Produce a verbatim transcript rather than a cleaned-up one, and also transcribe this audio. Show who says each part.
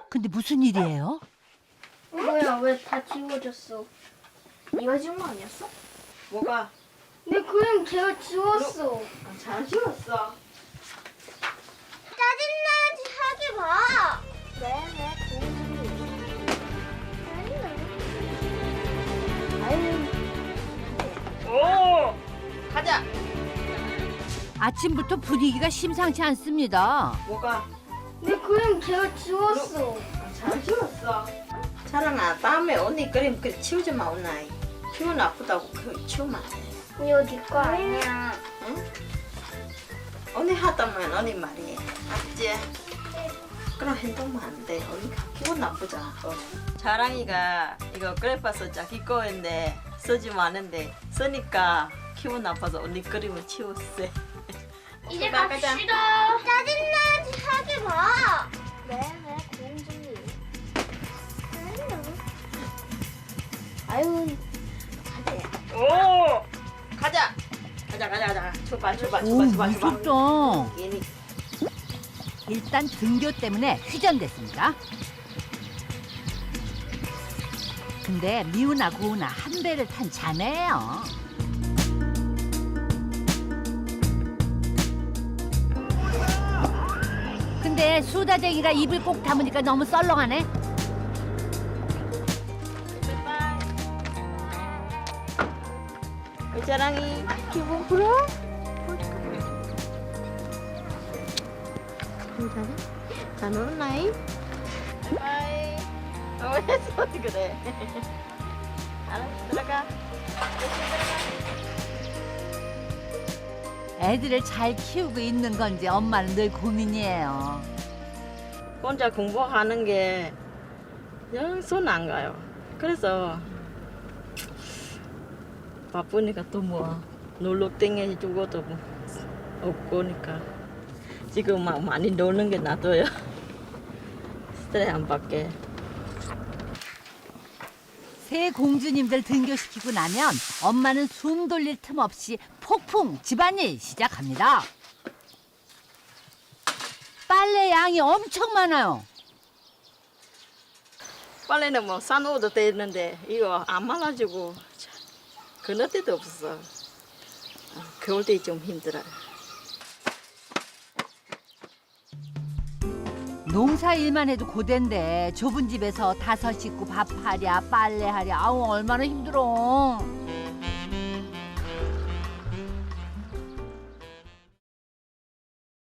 Speaker 1: 근데 무슨 일이에요?
Speaker 2: 뭐야, 왜 다 지워졌어?
Speaker 3: 네가 지운 거 아니었어? 뭐가?
Speaker 2: 근데 그냥 걔가 지웠어.
Speaker 3: 아, 잘 지웠어.
Speaker 2: 짜증나지 하지 마.
Speaker 3: 네네,
Speaker 2: 아유,
Speaker 3: 오! 가자!
Speaker 1: 아침부터 분위기가 심상치 않습니다.
Speaker 3: 뭐가?
Speaker 2: 근데 그냥 걔가 지웠어.
Speaker 3: 아, 잘 지웠어. 자랑아, 다음에 언니 그림 그리 치우지 마, 온나이. 기분 나쁘다고 그 치우면 안 돼.
Speaker 2: 이거 네거 아니야.
Speaker 3: 응? 언니 하다면 언니 말이야. 알지? 그런 행동만 안 돼. 언니가 기분 나쁘잖아. 또. 자랑이가 이거 그래파서 자기 거인데 쓰지 마는데 쓰니까 기분 나빠서 언니 그림을 치웠어.
Speaker 2: 이제
Speaker 3: 가자.
Speaker 2: 갑시다. 짜증나지 하지 마. 네네, 공주님. 아유,
Speaker 3: 오! 가자! 가자, 가자, 가자. 출발, 출발,
Speaker 1: 오,
Speaker 3: 출발, 출발, 출발.
Speaker 1: 무섭다.
Speaker 3: 얘니
Speaker 1: 일단 등교 때문에 휴전됐습니다. 근데 미우나 고우나 한 배를 탄 자매예요. 근데 수다쟁이가 입을 꼭 다무니까 너무 썰렁하네.
Speaker 3: 우리 자랑이 기분 풀어? 괜찮아? 잘 놀았나이? 바이. 어, 왜 손이 그래? 알았어, 들어가.
Speaker 1: 애들을 잘 키우고 있는 건지 엄마는 늘 고민이에요.
Speaker 3: 혼자 공부하는 게 영 손 안 가요. 그래서 바쁘니까 또 뭐 놀러 땡겨주고도 뭐 없고니까 지금 막 많이 노는 게 놔둬요. 스트레스 안 받게.
Speaker 1: 새 공주님들 등교시키고 나면 엄마는 숨 돌릴 틈 없이 폭풍 집안일 시작합니다. 빨래 양이 엄청 많아요.
Speaker 3: 빨래는 뭐 싸놓아도 되는데 이거 안 말라지고 그럴 때도 없어. 아, 겨울 때 좀 힘들어요.
Speaker 1: 농사 일만 해도 고된데 좁은 집에서 다섯 식구 밥하랴 빨래하랴 아우 얼마나 힘들어.